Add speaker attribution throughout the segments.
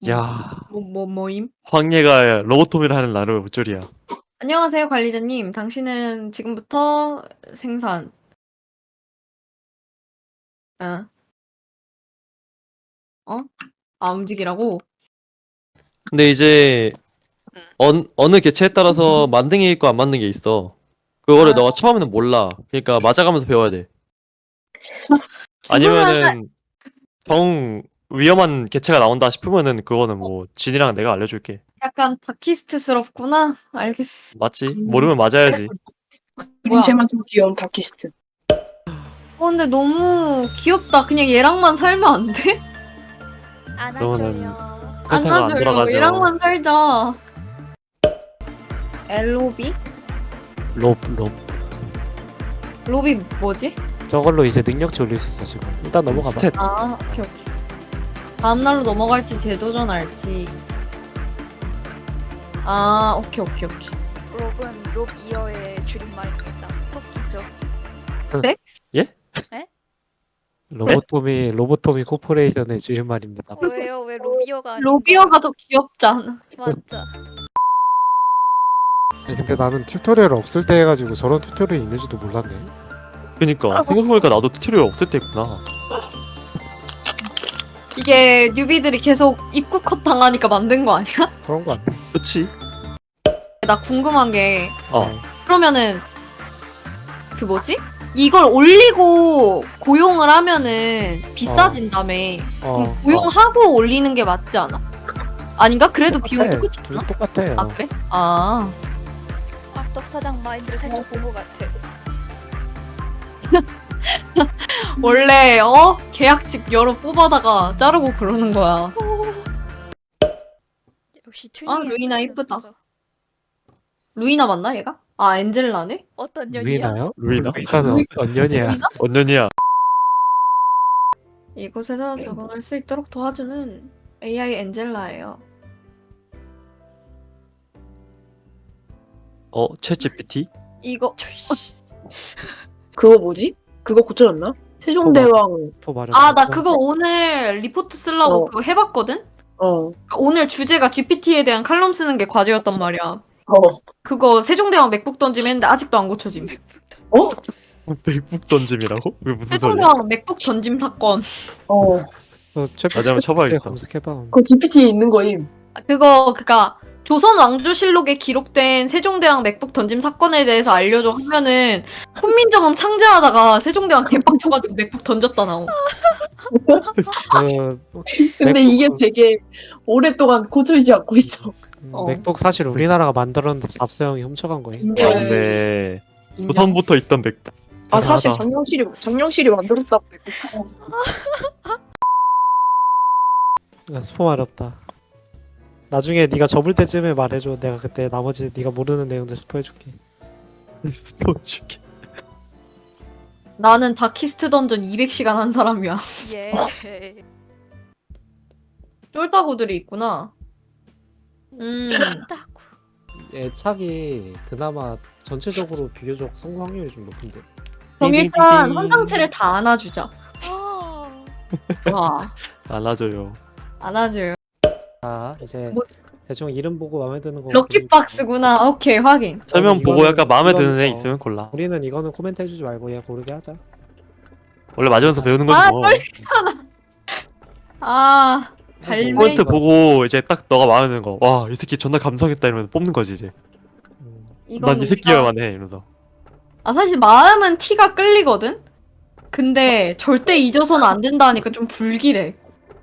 Speaker 1: 야,
Speaker 2: 뭐임?
Speaker 1: 황예가 로보토미를 하는 나를 볼 줄이야.
Speaker 2: 안녕하세요, 관리자님. 당신은 지금부터 생산. 아, 어? 아, 움직이라고?
Speaker 1: 근데 이제 어느 개체에 따라서 만든 게 있고 안 만든 게 있어. 그거를
Speaker 2: 아,
Speaker 1: 너가 처음에는 몰라. 그러니까 맞아가면서 배워야 돼.
Speaker 2: 죽으면
Speaker 1: 아니면은 정 위험한 개체가 나온다 싶으면은 그거는 뭐 진이랑 내가 알려줄게.
Speaker 2: 약간 다키스트스럽구나. 알겠어.
Speaker 1: 맞지? 모르면 맞아야지.
Speaker 2: 뭐야?
Speaker 3: 그림체만 좀 귀여운 다키스트.
Speaker 2: 근데 너무 귀엽다. 그냥 얘랑만 살면 안 돼?
Speaker 1: 그러면은
Speaker 4: 안아줘요.
Speaker 1: 회사가 안
Speaker 2: 안아줘요.
Speaker 1: 돌아가죠.
Speaker 2: 얘랑만 살자. LOB?
Speaker 5: 롭.
Speaker 2: 로비 뭐지?
Speaker 5: 저걸로 이제 능력치 올릴 수 있어, 지금. 일단 넘어가봐.
Speaker 1: 스탯.
Speaker 2: 아, 오케이. 다음 날로 넘어갈지 재도전할지. 아, 오케이.
Speaker 4: 롭은 롭 이어의 줄임말입니다. 토끼죠.
Speaker 5: 로보토미 코퍼레이션의 줄임말입니다.
Speaker 4: 왜요? 왜 로비어가 아닌가?
Speaker 2: 로비어가 더 귀엽잖아.
Speaker 4: 맞아.
Speaker 5: 근데 나는 튜토리얼 없을 때 해가지고 저런 튜토리얼이 있는지도 몰랐네.
Speaker 1: 그니까 생각해보니까 나도 튜토리얼 없을 때 있구나.
Speaker 2: 이게 뉴비들이 계속 입구 컷 당하니까 만든 거 아니야?
Speaker 5: 그런 거 아니야?
Speaker 1: 그치?
Speaker 2: 나 궁금한 게
Speaker 1: 어.
Speaker 2: 그러면은 그 뭐지? 이걸 올리고 고용을 하면은 비싸진다며. 그럼 고용하고 올리는 게 맞지 않아? 아닌가? 그래도 비용이 똑같지
Speaker 5: 둘
Speaker 2: 않아?
Speaker 5: 똑같아요.
Speaker 2: 아 그래? 아
Speaker 4: 악덕 사장 마인드를 살짝 본 것 같아.
Speaker 2: 원래 계약직 여러 뽑아다가 자르고 그러는 거야.
Speaker 4: 역시
Speaker 2: 아,
Speaker 4: 튜닝이
Speaker 2: 루이나
Speaker 4: 끝이
Speaker 2: 이쁘다.
Speaker 4: 없어.
Speaker 2: 루이나 맞나 얘가? 아 엔젤라네?
Speaker 4: 어떤 년이야?
Speaker 5: 루이나요?
Speaker 1: 루이나?
Speaker 5: 루이나는 언년이야.
Speaker 2: 루이나?
Speaker 1: 언년이야.
Speaker 2: 이곳에서 적응할 수 있도록 도와주는 AI 엔젤라예요.
Speaker 1: 챗 GPT?
Speaker 2: 이거
Speaker 3: 그거 뭐지? 그거 고쳐졌나? 세종대왕.
Speaker 2: 아 나 그거 오늘 리포트 쓰려고 그거 해봤거든?
Speaker 3: 어.
Speaker 2: 그러니까 오늘 주제가 GPT에 대한 칼럼 쓰는 게 과제였단 말이야.
Speaker 3: 어.
Speaker 2: 그거 세종대왕 맥북 던짐 했는데 아직도 안 고쳐짐.
Speaker 3: 어?
Speaker 1: 맥북 던짐이라고? 왜 무슨 소리야?
Speaker 2: 세종대왕 맥북 던짐 사건.
Speaker 3: 어.
Speaker 1: 나중에 한번 쳐봐야겠다.
Speaker 5: 검색해봐.
Speaker 3: 그거 GPT에 있는 거임.
Speaker 2: 그니까 조선 왕조실록에 기록된 세종대왕 맥북 던짐 사건에 대해서 알려줘 하면은 훈민정음 창제하다가 세종대왕 개빡쳐가지고 맥북 던졌다 나오.
Speaker 3: 근데
Speaker 5: 맥북-
Speaker 3: 이게 되게 오랫동안 고쳐지지 않고 있어.
Speaker 5: 맥북 사실 우리나라가 만들었는데 잡사형이 훔쳐간 거예요.
Speaker 1: 맞네. 조선부터 있던 맥북.
Speaker 3: 아 사실
Speaker 1: 대단하다.
Speaker 3: 장영실이 만들었다고.
Speaker 5: 스포 어렵다. 나중에 네가 접을 때쯤에 말해줘. 내가 그때 나머지 네가 모르는 내용들 스포해줄게.
Speaker 1: 스포줄게.
Speaker 2: 나는 다키스트 던전 200시간 한 사람이야.
Speaker 4: 예.
Speaker 2: 쫄따구들이 있구나.
Speaker 4: 딱.
Speaker 5: 애착이 그나마 전체적으로 비교적 성공 확률이 좀 높은데.
Speaker 2: 그럼 일단 환상체를 다 안아주자.
Speaker 4: 아.
Speaker 2: 와,
Speaker 1: 안아줘요.
Speaker 2: 안아줘요.
Speaker 5: 자 이제
Speaker 2: 뭐-
Speaker 5: 대충 이름 보고 마음에 드는 거.
Speaker 2: 럭키박스구나. 오케이, 확인.
Speaker 1: 설명 보고 약간 마음에 드는 애
Speaker 5: 이거는
Speaker 1: 있으면 골라.
Speaker 5: 우리는 이거는 코멘트 해주지 말고 얘 고르게 하자.
Speaker 1: 원래 맞으면서 배우는 거지
Speaker 2: 아,
Speaker 1: 뭐.
Speaker 2: 아, 발매.
Speaker 1: 코멘트 보고 이제 딱 너가 마음에 드는 거. 와, 이 새끼 존나 감성했다 이러면 뽑는 거지 이제.
Speaker 2: 이건
Speaker 1: 난 이 새끼야만 해 이러면서.
Speaker 2: 사실 마음은 티가 끌리거든? 근데 절대 잊어서는 안 된다 하니까 좀 불길해.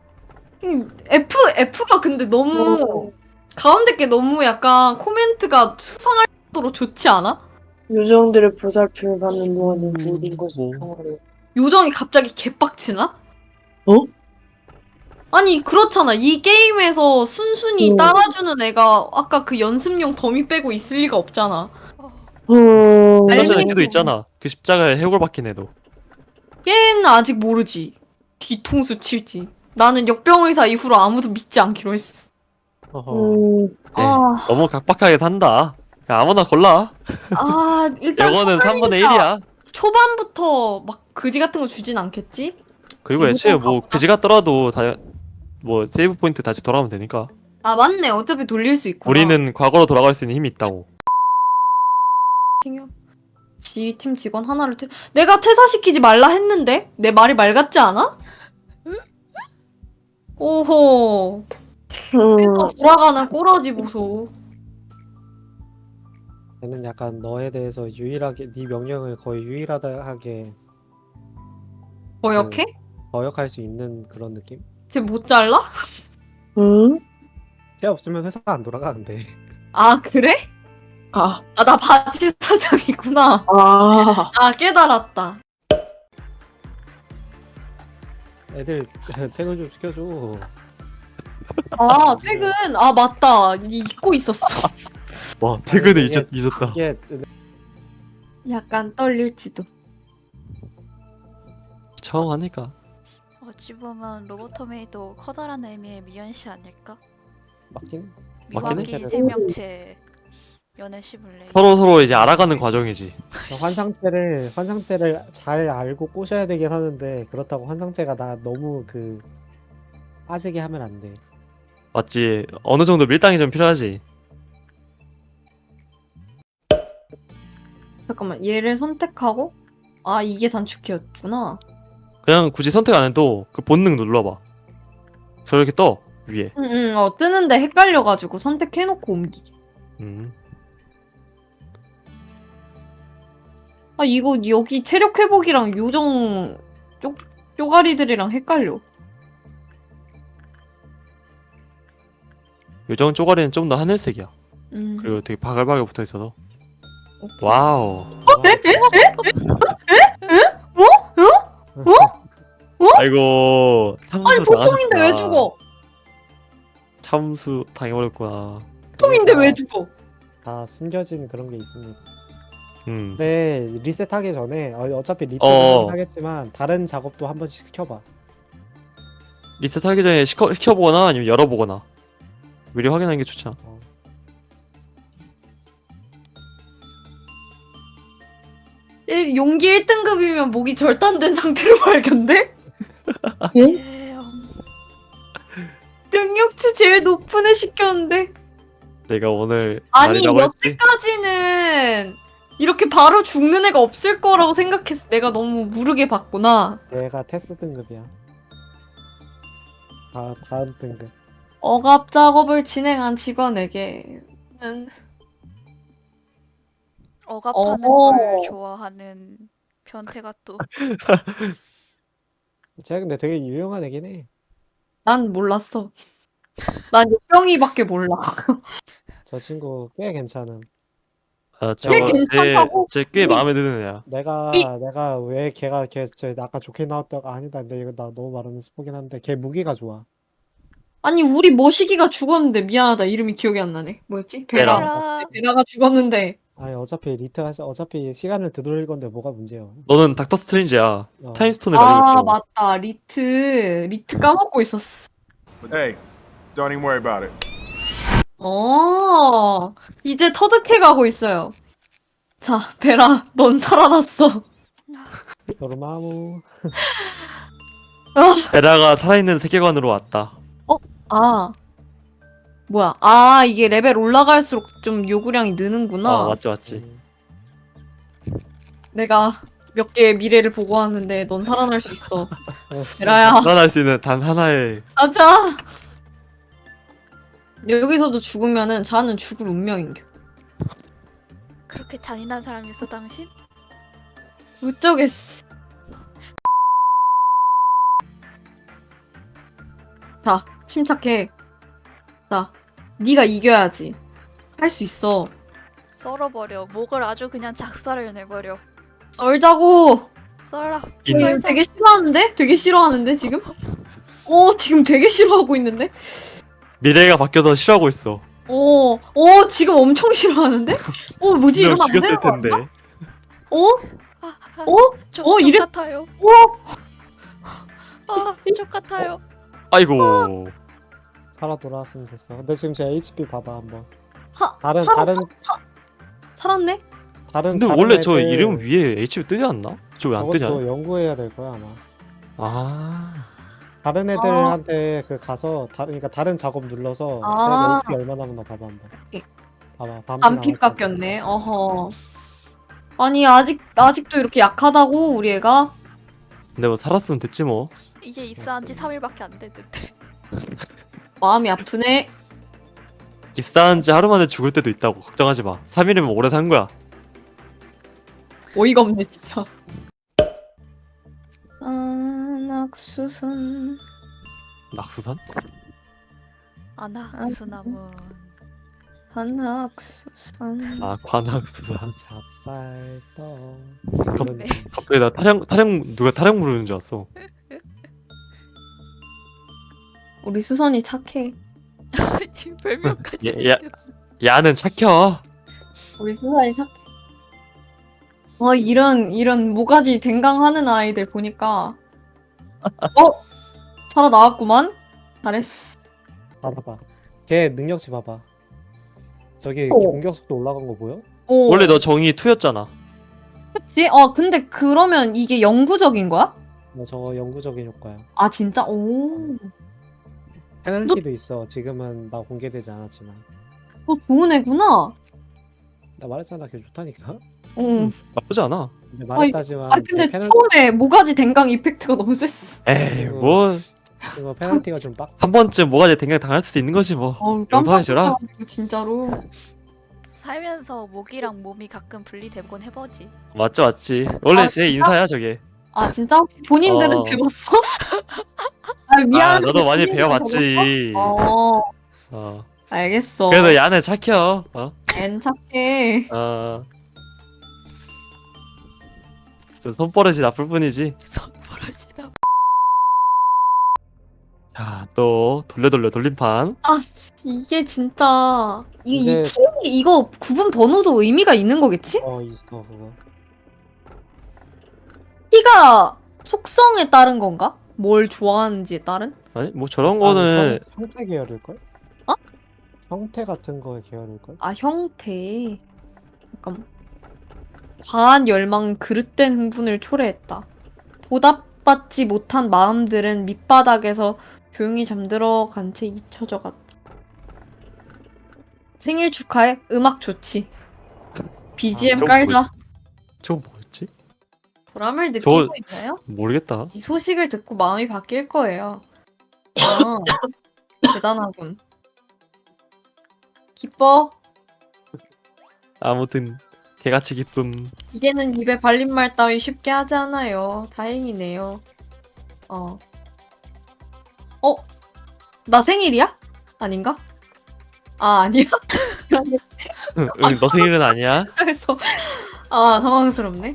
Speaker 2: F가 근데 너무, 가운데 게 너무 약간 코멘트가 수상할 정도로 좋지 않아?
Speaker 3: 요정들의 보살핌을 받는 동안은 모든 것이
Speaker 1: 뭐.
Speaker 3: 평화로워.
Speaker 2: 요정이 갑자기 개빡치나?
Speaker 3: 어?
Speaker 2: 아니, 그렇잖아. 이 게임에서 순순히
Speaker 3: 어.
Speaker 2: 따라주는 애가 아까 그 연습용 더미 빼고 있을 리가 없잖아.
Speaker 1: 얼마 전에
Speaker 2: 알맹이
Speaker 1: 걔도 있잖아. 그 십자가에 해골 박힌 애도.
Speaker 2: 걔는 아직 모르지. 뒤통수 칠지. 나는 역병의사 이후로 아무도 믿지 않기로 했어. 아,
Speaker 1: 너무 각박하게 산다. 그냥 아무나 골라.
Speaker 2: 일단
Speaker 1: 이거는 3분의 1이야.
Speaker 2: 초반부터 막 그지 같은 거 주진 않겠지?
Speaker 1: 그리고 애초에 뭐 그지 같더라도 다 뭐 세이브 포인트 다시 돌아오면 되니까.
Speaker 2: 아 맞네. 어차피 돌릴 수 있구나.
Speaker 1: 우리는 과거로 돌아갈 수 있는 힘이 있다고.
Speaker 2: 지팀 직원 하나를 내가 퇴사시키지 말라 했는데? 내 말이 말 같지 않아? 오호. 회사 돌아가는 꼬라지 보소.
Speaker 5: 얘는 약간 너에 대해서 유일하게 네 명령을 거의 유일하게
Speaker 2: 어역해?
Speaker 5: 거역할 수 있는 그런 느낌?
Speaker 2: 쟤 못 잘라?
Speaker 3: 응?
Speaker 5: 걔 없으면 회사가 안 돌아가는데.
Speaker 2: 아 그래?
Speaker 3: 아,
Speaker 2: 아 나 바지 사장이구나.
Speaker 3: 아,
Speaker 2: 아 깨달았다.
Speaker 5: 애들 퇴근 좀 시켜줘.
Speaker 2: 아 퇴근. 아 맞다. 잊고 있었어.
Speaker 1: 와 퇴근을
Speaker 5: 이게-
Speaker 1: 잊었다.
Speaker 5: 이게
Speaker 2: 약간 떨릴지도.
Speaker 1: 처음 하니까.
Speaker 4: 어찌 보면 로보토메이도 커다란 의미의 미연시 아닐까?
Speaker 5: 맞긴
Speaker 1: 맞긴 해.
Speaker 4: 미확인 생명체 연애 시뮬레이.
Speaker 1: 서로 이제 알아가는 과정이지.
Speaker 5: 환상체를 잘 알고 꼬셔야 되긴 하는데 그렇다고 환상체가 나 너무 그 빠지게 하면 안 돼.
Speaker 1: 맞지. 어느 정도 밀당이 좀 필요하지.
Speaker 2: 잠깐만 얘를 선택하고 아 이게 단축키였구나.
Speaker 1: 그냥 굳이 선택 안 해도 그 본능 눌러봐. 저렇게 떠 위에.
Speaker 2: 응응 뜨는데 헷갈려가지고 선택해놓고 옮기기.
Speaker 1: 음.
Speaker 2: 아 이거 여기 체력 회복이랑 요정 쪼가리들이랑 헷갈려.
Speaker 1: 요정 쪼가리는 좀 더 하늘색이야.
Speaker 2: 음.
Speaker 1: 그리고 되게 바글바글 붙어 있어서.
Speaker 2: 오케이.
Speaker 1: 와우. 아이고. 참수
Speaker 2: 아니 보통인데
Speaker 1: 당하셨구나.
Speaker 2: 왜 죽어?
Speaker 1: 참수 당해버렸구나.
Speaker 2: 보통인데 왜 죽어?
Speaker 5: 다 숨겨진 그런 게 있습니다.
Speaker 1: 음.
Speaker 5: 네, 리셋하기 전에 어차피 리셋
Speaker 1: 어.
Speaker 5: 하겠지만 다른 작업도 한 번씩 시켜봐.
Speaker 1: 리셋하기 전에 시켜보거나 아니면 열어보거나 미리 확인하는 게 좋잖아.
Speaker 2: 용기 1등급이면 목이 절단된 상태로 발견돼?
Speaker 4: 대형.
Speaker 2: 능력치 제일 높은 애 시켰는데
Speaker 1: 내가 오늘
Speaker 2: 아니
Speaker 1: 날이라고 했지.
Speaker 2: 여태까지는 이렇게 바로 죽는 애가 없을 거라고 생각했어. 내가 너무 무르게 봤구나.
Speaker 5: 얘가 테스트 등급이야. 다음 등급.
Speaker 2: 억압 작업을 진행한 직원에게는
Speaker 4: 억압하는
Speaker 2: 어.
Speaker 4: 걸 좋아하는 변태가 또.
Speaker 5: 쟤 근데 되게 유용한 애긴 해.
Speaker 2: 난 몰랐어. 난 뿅이밖에 몰라.
Speaker 5: 저 친구 꽤 괜찮음.
Speaker 1: 아,
Speaker 2: 꽤 괜찮다고?
Speaker 1: 쟤꽤 마음에 드는 애야.
Speaker 5: 내가 왜 걔 아까 좋게 나왔다가 아니다. 근데 이거 나 너무 말하면 스포긴 한데 걔 무기가 좋아.
Speaker 2: 아니 우리 머시기가 죽었는데 미안하다. 이름이 기억이 안 나네. 뭐였지?
Speaker 1: 베라.
Speaker 4: 베라.
Speaker 2: 베라가 죽었는데
Speaker 5: 아니 어차피 시간을 되돌릴 건데 뭐가 문제야.
Speaker 1: 너는 닥터 스트레인지야.
Speaker 5: 어.
Speaker 1: 타임스톤을 가지고
Speaker 2: 아
Speaker 1: 있어.
Speaker 2: 맞다. 리트 까먹고 있었어.
Speaker 6: Hey, don't even worry about it.
Speaker 2: 이제 터득해 가고 있어요. 자, 베라, 넌 살아났어.
Speaker 5: 도르마무.
Speaker 1: 베라가 살아있는 세계관으로 왔다.
Speaker 2: 아, 뭐야? 아, 이게 레벨 올라갈수록 좀 요구량이 느는구나.
Speaker 1: 맞지.
Speaker 5: 음.
Speaker 2: 내가 몇 개의 미래를 보고 왔는데 넌 살아날 수 있어. 베라야,
Speaker 1: 살아날 수 있는 단 하나의
Speaker 2: 가자. 여기서도 죽으면은 자는 죽을 운명인겨.
Speaker 4: 그렇게 잔인한 사람이었어 당신?
Speaker 2: 어쩌겠어. 자, 침착해. 자, 네가 이겨야지. 할 수 있어.
Speaker 4: 썰어버려. 목을 아주 그냥 작살을 내버려.
Speaker 2: 썰자고.
Speaker 4: 썰어.
Speaker 1: 인-
Speaker 4: 썰자.
Speaker 2: 되게 싫어하는데? 되게 싫어하는데 지금? 지금 되게 싫어하고 있는데?
Speaker 1: 미래가 바뀌어서 싫어하고 있어.
Speaker 2: 지금 엄청 싫어하는데? 뭐지
Speaker 1: 분명
Speaker 2: 이러면 안
Speaker 1: 죽였을
Speaker 2: 되는 거
Speaker 1: 텐데.
Speaker 4: 족
Speaker 2: 이래-
Speaker 4: 같아요. 족 같아요.
Speaker 1: 아이고.
Speaker 5: 살아 돌아왔으면 됐어. 근데 지금 제 HP 봐봐 한번.
Speaker 2: 하-
Speaker 5: 다른
Speaker 2: 살았네?
Speaker 1: 근데
Speaker 5: 다른
Speaker 1: 원래 저
Speaker 5: 애들
Speaker 1: 이름 위에 HP 뜨지 않나? 저 왜 안 뜨냐?
Speaker 5: 저것도 연구해야 될 거야 아마.
Speaker 1: 아.
Speaker 5: 다른 애들한테 그 가서 그러니까 다른 작업 눌러서
Speaker 2: 아.
Speaker 5: 쟤 HP 얼마 남았나 봐봐 한번.
Speaker 2: 오케이.
Speaker 5: 봐봐. 밤피
Speaker 2: 반피
Speaker 5: 남았잖아.
Speaker 2: 깎였네. 어허. 아니 아직도 이렇게 약하다고 우리 애가?
Speaker 1: 근데 뭐 살았으면 됐지 뭐.
Speaker 4: 이제 입사한 지 3일밖에 안 됐는데.
Speaker 2: 마음이 아프네.
Speaker 1: 입사한 지 하루 만에 죽을 때도 있다고. 걱정하지 마. 3일이면 오래 산 거야.
Speaker 2: 어이가 없네 진짜. 낙수선.
Speaker 1: 낙수산?
Speaker 4: 아나 수나문.
Speaker 2: 한낙수선.
Speaker 1: 아 관악수산.
Speaker 5: 찹쌀떡.
Speaker 4: 네.
Speaker 1: 갑자기 나 누가 타령 부르는 줄 알았어.
Speaker 2: 우리 수선이 착해.
Speaker 4: 지금 별명까지.
Speaker 1: 야, 야는 착혀.
Speaker 2: 우리 수선이 착해. 이런 모가지 댕강하는 아이들 보니까 살아나왔구만. 잘했어.
Speaker 5: 봐봐. 걔 능력치 봐봐. 저기
Speaker 2: 오.
Speaker 5: 공격 속도 올라간 거 보여?
Speaker 2: 오.
Speaker 1: 원래 너 정의 2였잖아.
Speaker 2: 그치? 근데 그러면 이게 영구적인 거야?
Speaker 5: 저거 영구적인 효과야.
Speaker 2: 아 진짜? 오.
Speaker 5: 페널티도 있어. 지금은 나 공개되지 않았지만.
Speaker 2: 너 좋은 애구나.
Speaker 5: 나 말했잖아. 걔 좋다니까.
Speaker 2: 응.
Speaker 1: 나쁘지 않아.
Speaker 5: 근데 말했다지만
Speaker 2: 근데
Speaker 5: 걔
Speaker 2: 처음에 모가지 댕강 이펙트가 너무 셌어.
Speaker 1: 에이
Speaker 5: 그리고-
Speaker 1: 뭐 한
Speaker 5: 지금 페널티가 좀 빡.
Speaker 1: 번쯤 뭐가 댕강 당할 수도 있는 거지 뭐. 용서해주라.
Speaker 2: 깜짝이야 진짜로.
Speaker 4: 살면서 목이랑 몸이 가끔 분리되곤 해보지.
Speaker 1: 맞지. 원래
Speaker 2: 아,
Speaker 1: 제 인사야 저게.
Speaker 2: 아 진짜 혹시 본인들은
Speaker 1: 어.
Speaker 2: 배웠어? 아 미안.
Speaker 1: 너도 많이 배워봤지. 어.
Speaker 2: 알겠어.
Speaker 1: 그래도 야는 착혀.
Speaker 2: 앤 착해.
Speaker 1: 좀 손버릇이 나쁠 뿐이지.
Speaker 4: 손버릇이다.
Speaker 1: 자, 또 돌림판.
Speaker 2: 아 이게 진짜 이
Speaker 5: 이제-
Speaker 2: 팀이 이거 구분 번호도 의미가 있는 거겠지?
Speaker 5: 있어 그거.
Speaker 2: 키가 속성에 따른 건가? 뭘 좋아하는지에 따른?
Speaker 1: 아니 뭐 저런 거는
Speaker 5: 형태 계열일 걸?
Speaker 2: 어?
Speaker 5: 형태 같은 거의 계열일 걸?
Speaker 2: 아 형태. 잠깐. 과한 열망 그릇된 흥분을 초래했다. 보답받지 못한 마음들은 밑바닥에서 조용히 잠들어간 채 잊혀져 갔다. 생일 축하해. 음악 좋지. BGM
Speaker 1: 저거
Speaker 2: 깔자.
Speaker 1: 저건 뭐였지?
Speaker 2: 보람을 느끼고
Speaker 1: 저거-
Speaker 2: 있나요?
Speaker 1: 모르겠다.
Speaker 2: 이 소식을 듣고 마음이 바뀔 거예요. 대단하군. 기뻐.
Speaker 1: 아무튼 개같이 기쁨.
Speaker 2: 이게는 입에 발린 말 따위 쉽게 하지 않아요. 다행이네요. 나 생일이야? 아닌가? 아 아니야?
Speaker 1: 너 생일은 아니야?
Speaker 2: 그래서 당황스럽네.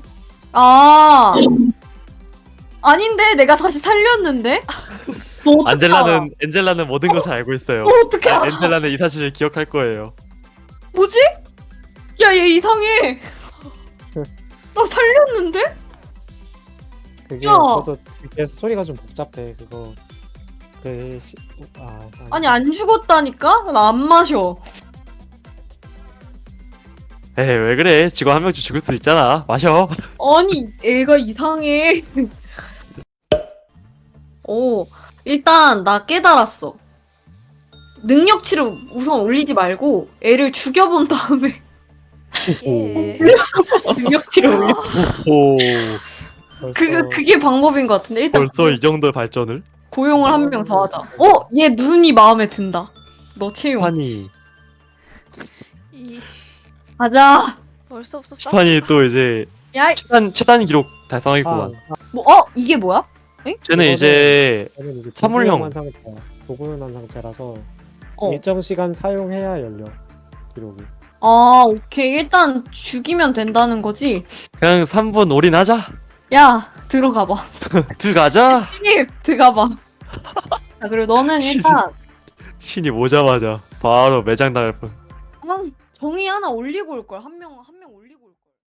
Speaker 2: 아닌데 내가 다시 살렸는데? 너 어떻게 알아?
Speaker 1: 엔젤라는 모든 것을 알고 있어요.
Speaker 2: 어떻게 알아?
Speaker 1: 엔젤라는 이 사실을 기억할 거예요.
Speaker 2: 뭐지? 야 얘 이상해. 나 살렸는데?
Speaker 5: 그게
Speaker 2: 야!
Speaker 5: 저도 그게 스토리가 좀 복잡해 그거.
Speaker 2: 아니 안 죽었다니까? 나 안 마셔.
Speaker 1: 에이 왜 그래? 직원 한 명씩 죽을 수 있잖아. 마셔.
Speaker 2: 아니 애가 이상해. 일단 나 깨달았어. 능력치를 우선 올리지 말고 애를 죽여본 다음에
Speaker 4: 이게
Speaker 2: 능력치를 올려.
Speaker 1: 오
Speaker 2: 그게 방법인 것 같은데 일단
Speaker 1: 벌써 이 정도 발전을?
Speaker 2: 고용을 한 명 더 하자. 얘 눈이 마음에 든다. 너 채용.
Speaker 1: 스파니
Speaker 4: 이
Speaker 2: 가자.
Speaker 4: 벌써 없어.
Speaker 1: 스파니 또 이제
Speaker 2: 야,
Speaker 1: 최단 기록 달성하겠구만.
Speaker 2: 이게 뭐야?
Speaker 1: 쟤는 이제
Speaker 5: 저는 이제
Speaker 1: 사물형.
Speaker 5: 도구현한 상태라서
Speaker 2: 어.
Speaker 5: 일정 시간 사용해야 열려 기록이.
Speaker 2: 오케이. 일단 죽이면 된다는 거지.
Speaker 1: 그냥 3분 올인하자.
Speaker 2: 야, 들어가봐.
Speaker 1: 들어가자.
Speaker 2: 신입, 들어가봐. 자, 그리고 너는 일단
Speaker 1: 신이 오자마자 바로 매장 당할 뻔.
Speaker 2: 정의 하나 올리고 올 걸. 한 명 올리고.